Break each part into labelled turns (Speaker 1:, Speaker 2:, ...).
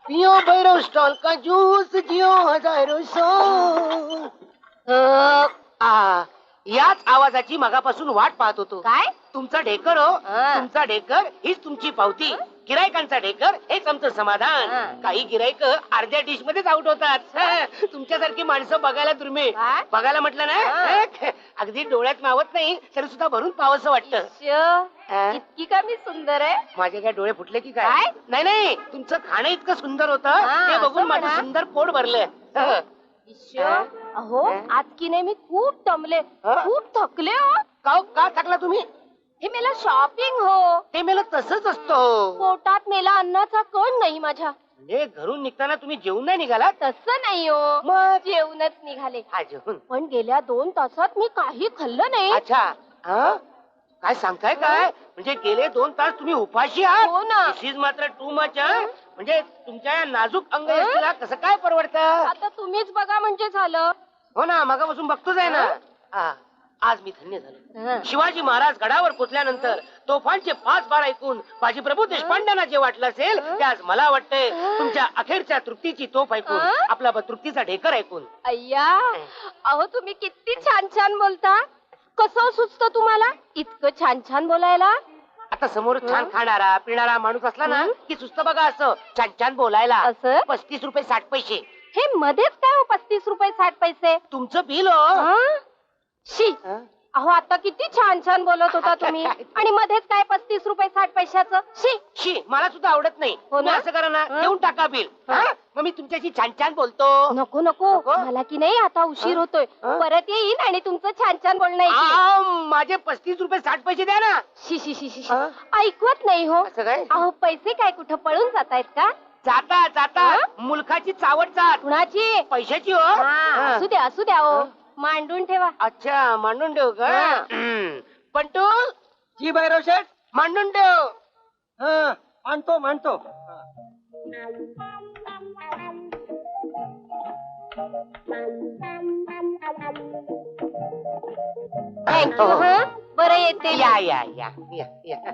Speaker 1: पियो भैरव स्टॉल का जूस जियो हजारो सो. याच आवाजाची मगापासून वाट पाहत होतो.
Speaker 2: काय
Speaker 1: तुमचा ढेकर हो, तुमचा ढेकर हीच तुमची पावती. गिरायकांचा ढेकर हेच आमचं समाधान. काही गिरायक अर्ध्या डिश मध्येच आउट होतात. तुमच्यासारखी माणसं बघायला दुर्मिळ. बघायला म्हटलं ना अगदी डोळ्यात मावत नाही तरी सुद्धा भरून पावसं वाटतं.
Speaker 2: इतकी का मी सुंदर आहे?
Speaker 1: माझे काय डोळे फुटले की काय? नाही नाही, तुमचं खाणं इतकं सुंदर होतं ते बघून माझं सुंदर पोट भरलं.
Speaker 2: अहो आज की नाही मी खूप दमले, खूप थकले हो.
Speaker 1: का थकला तुम्ही?
Speaker 2: हे मेला शॉपिंग हो.
Speaker 1: ते मेला तसंच असतं.
Speaker 2: पोटात मेला अन्नाचा कण नाही माझ्या.
Speaker 1: म्हणजे घरून निघताना तुम्ही जेवून नाही निघाला?
Speaker 2: तसं नाही हो,
Speaker 1: मग
Speaker 2: जेवणच निघाले.
Speaker 1: हा जेवण.
Speaker 2: पण गेल्या 2 तासात मी काही खाल्लं नाही.
Speaker 1: अच्छा, काय सांगताय काय? म्हणजे गेले 2 तास तुम्ही उपाशी आहात?
Speaker 2: हो ना.
Speaker 1: दिस इज मात्र टू मच. म्हणजे तुमच्या या नाजूक अंगयष्टीला कसं काय परवडतं?
Speaker 2: आता तुम्हीच बघा म्हणजे झालं.
Speaker 1: हो ना, मगापासून बघतोच आहे ना. आज मी धन्य झालो. शिवाजी महाराज गडावर पोचल्यानंतर तोफांचे 5 बार ऐकून बाजीप्रभू देशपांड्यांना जे वाटलं असेल ते आज मला वाटतंय तुमच्या अखेरच्या तृप्तीची तोफ ऐकून, आपला तृप्तीचा ढेकर ऐकून.
Speaker 2: अय्या, अहो तुम्ही किती छान छान बोलता. कसं सुचतं तुम्हाला इतकं छान छान बोलायला?
Speaker 1: आता समोर छान खाणारा पिणारा माणूस असला ना की सुस्त बघा असं छान छान बोलायला.
Speaker 2: असं
Speaker 1: 35 रुपये 60 पैसे.
Speaker 2: हे मध्येच काय हो 35 रुपये 60 पैसे?
Speaker 1: तुमचं बिल हो.
Speaker 2: शी, अहो आता किती छान छान बोलत होता तुम्ही आणि मध्येच काय 35 रुपये 60 पैशाचं? शी
Speaker 1: शी, मला सुद्धा आवडत नाही.
Speaker 2: हो ना?
Speaker 1: असं करा ना, देऊन टाका बिल. मग मी तुमच्याशी छान छान बोलतो.
Speaker 2: नको नको, मला की नाही आता उशीर होतोय. परत येईन आणि तुमचं छान छान बोलणं ऐकीन.
Speaker 1: माझे 35 रुपये 60 पैसे द्या ना.
Speaker 2: शी शी शी शी, ऐकवत नाही हो.
Speaker 1: असं काय?
Speaker 2: अहो पैसे काय कुठं पळून जातायत का?
Speaker 1: जाता जाता मुलखाची चावट जात.
Speaker 2: कुणाची?
Speaker 1: पैशाची हो.
Speaker 2: असू द्या असू द्या हो, मांडून ठेवा.
Speaker 1: अच्छा, मांडून ठेव का? पंटू
Speaker 3: जी भैरव शेठ.
Speaker 1: मांडून ठेव.
Speaker 3: मांडतो.
Speaker 2: थँक्यू. बरं येते.
Speaker 1: या या या या या.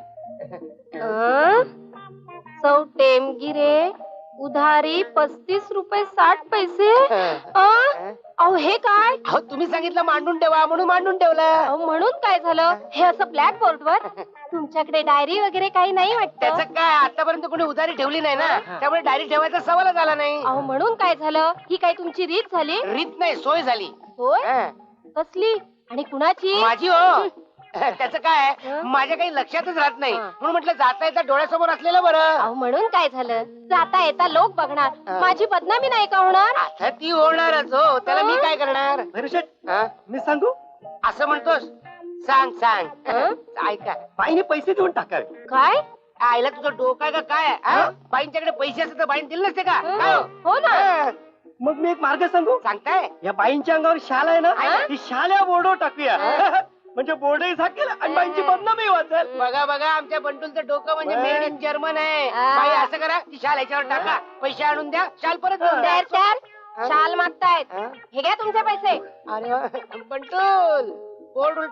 Speaker 2: सौ टेमगिरे उधारी 35 रुपये 60 पैसे. अहो हे काय?
Speaker 1: अहो तुम्ही सांगितलं मांडून ठेवा म्हणून मांडून ठेवलं.
Speaker 2: अहो म्हणून काय झालं? हे असं ब्लॅक बोर्ड वर? तुमच्याकडे डायरी वगैरे काही नाही वाटत?
Speaker 1: त्याचं काय, आतापर्यंत कोणी उधारी ठेवली नाही ना, त्यामुळे डायरी ठेवायचा सवालच आला नाही.
Speaker 2: अहो म्हणून काय झालं? ही काय तुमची रीत झाली?
Speaker 1: रीत नाही, सोय झाली.
Speaker 2: होय? कसली आणि कुणाची?
Speaker 1: माझी हो. त्याचं काय, माझ्या काही लक्षातच राहत नाही म्हणून म्हटलं जाता येता डोळ्यासमोर असलेलं बरं.
Speaker 2: अहो म्हणून काय झालं? जाता येता लोक बघणार, माझी बदनामी नाही का होणार?
Speaker 1: आता ती होणारच हो, त्याला मी काय करणार?
Speaker 3: भैरव शेठ, मी सांगू?
Speaker 1: असं म्हणतोस? सांग सांग. ऐका,
Speaker 3: बाईने पैसे देऊन टाकावे.
Speaker 2: काय?
Speaker 1: आईला तुझं डोकं आहे का काय? बाईंच्याकडे पैसे असते तर बाईन दिले नसते का? काय हो?
Speaker 2: हो ना.
Speaker 3: मग मी एक मार्ग सांगू?
Speaker 1: सांगताय?
Speaker 3: या बाईंच्या अंगावर शाल आहे ना, ती शाल या बोर्डवर टाकूया. म्हणजे बोर्डही झाकेल आणि बाईंची बदनामी वाचेल.
Speaker 1: बघा बघा, आमच्या बंटूलचं डोकं म्हणजे मेड इन जर्मन आहे. बाई असं करा, ती शाल याच्यावर टाका, पैसे आणून द्या, शाल परत देऊन द्या.
Speaker 2: शाल मागतायत, हे घ्या तुमचे पैसे.
Speaker 1: अरे वा, बंटूल बोर्ड